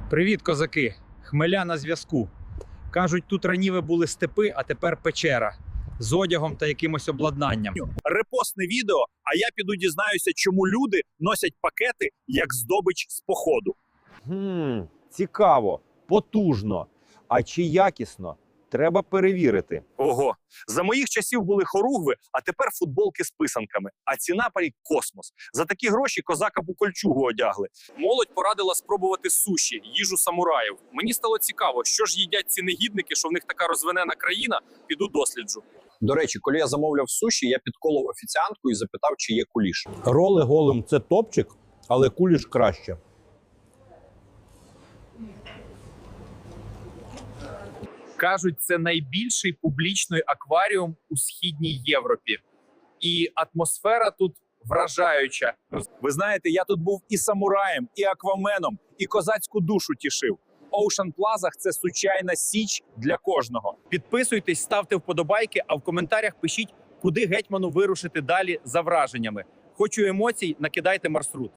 Привіт, козаки! Хмеля на зв'язку. Кажуть, тут раніше були степи, а тепер печера. З одягом та якимось обладнанням. Репостне відео, а я піду дізнаюся, чому люди носять пакети як здобич з походу. Цікаво, потужно. А чи якісно? Треба перевірити. Ого, за моїх часів були хоругви, а тепер футболки з писанками. А ціна парі космос. За такі гроші козака б у кольчугу одягли. Молодь порадила спробувати суші, їжу самураїв. Мені стало цікаво, що ж їдять ці негідники, що в них така розвинена країна, піду досліджу. До речі, коли я замовляв суші, я підколов офіціантку і запитав, чи є куліш. Роли голим – це топчик, але куліш краще. Кажуть, це найбільший публічний акваріум у Східній Європі. І атмосфера тут вражаюча. Ви знаєте, я тут був і самураєм, і акваменом, і козацьку душу тішив. Ocean Plaza – це сучайна січ для кожного. Підписуйтесь, ставте вподобайки, а в коментарях пишіть, куди гетьману вирушити далі за враженнями. Хочу емоцій, накидайте маршрут.